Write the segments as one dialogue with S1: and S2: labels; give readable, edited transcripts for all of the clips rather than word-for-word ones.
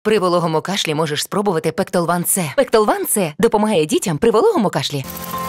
S1: При вологому кашлі можеш спробувати Пектолван С. Пектолван С допомагає дітям при вологому кашлі.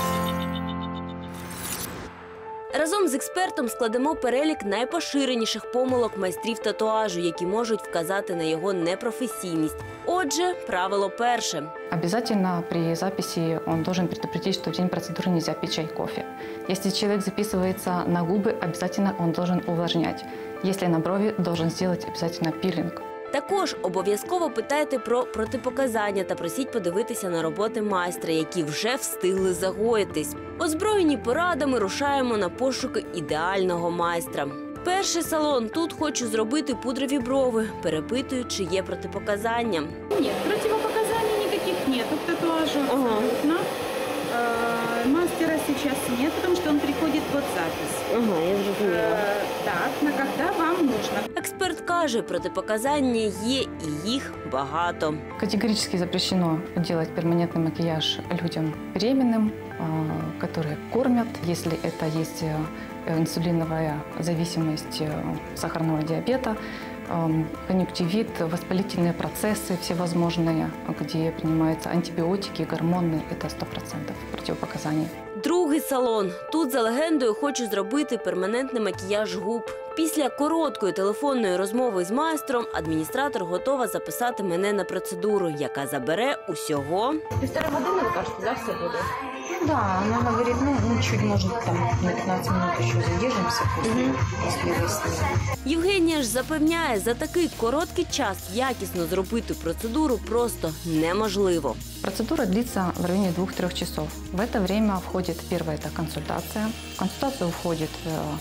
S2: Разом з експертом складемо перелік найпоширеніших помилок майстрів татуажу, які можуть вказати на його непрофесійність. Отже, правило перше.
S3: Обязательно при записи он должен предупредить, что в день процедуры нельзя пить чай, кофе. Если человек записывается на губы, обязательно он должен увлажнять. Если на брови, должен сделать обязательно пилинг.
S2: Також обов'язково питайте про протипоказання та просіть подивитися на роботи майстра, які вже встигли загоїтись. Озброєні порадами рушаємо на пошуки ідеального майстра. Перший салон. Тут хочу зробити пудрові брови. Перепитую, чи є протипоказання.
S4: Нет, противопоказаний никаких нет к татуажу абсолютно. Мастера сейчас нет, потому что он приходит под запись.
S2: Я зрозуміла.
S4: Так, на когда вам нужно.
S2: Експерт каже, протипоказання є і їх багато.
S3: Категорически запрещено делать перманентный макияж людям беременным, которые кормят. Если это есть инсулиновая зависимость сахарного диабета, конъюнктивит, воспалительные процессы всевозможные, где принимаются антибиотики, гормоны, это 100% противопоказаний.
S2: Другий салон. Тут, за легендою, хочу зробити перманентний макіяж губ. Після короткої телефонної розмови з майстром адміністратор готова записати мене на процедуру, яка забере усього
S5: 1,5 години, ви кажете, да, все буде?
S6: Да, она говорит, чуть, может, там на 15 минут еще задержимся после выяснения.
S2: Євгенія ж запевняє, за такий короткий час якісно зробити процедуру просто неможливо.
S3: Процедура длится в районе 2-3 часов. В это время входит первая это консультация. В консультацию входит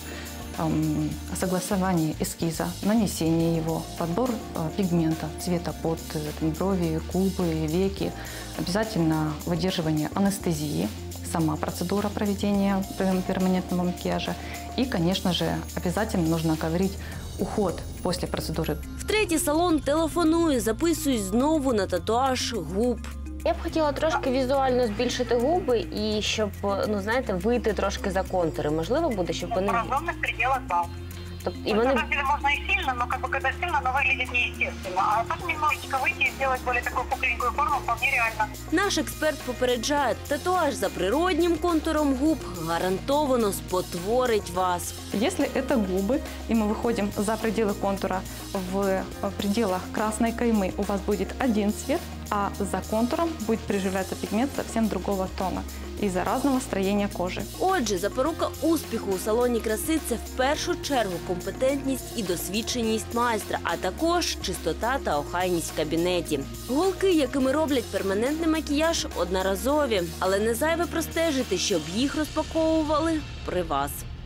S3: согласование эскиза, нанесение его, подбор пигмента, цвета под брови, губы, веки. Обязательно выдерживание анестезии, сама процедура проведения перманентного макияжа. И, конечно же, обязательно нужно говорить уход после процедуры.
S2: В третій салон телефоную, записуюсь знову на татуаж губ.
S5: Я б хотіла трошки візуально збільшити губи і щоб, знаєте, вийти трошки за контури. Можливо буде, щоб вони...
S7: В разумных пределах, да.
S5: Тобто,
S7: На самом деле можно и сильно, но когда сильно, оно выглядит неестественно. А тут немножечко выйти и сделать более такую пухленькую форму вполне реально.
S2: Наш експерт попереджає, татуаж за природнім контуром губ гарантовано спотворить вас.
S3: Если это губы, и мы выходим за пределы контура, в пределах красной каймы у вас будет один цвет, а за контуром будет приживляться пигмент совсем другого тона из-за разного строения кожи.
S2: Отже, запорука успіху у салоні краси – це в першу чергу компетентність і досвідченість майстра, а також чистота та охайність в кабінеті. Голки, якими роблять перманентний макіяж, одноразові, але не зайве простежити, щоб їх розпаковували при вас.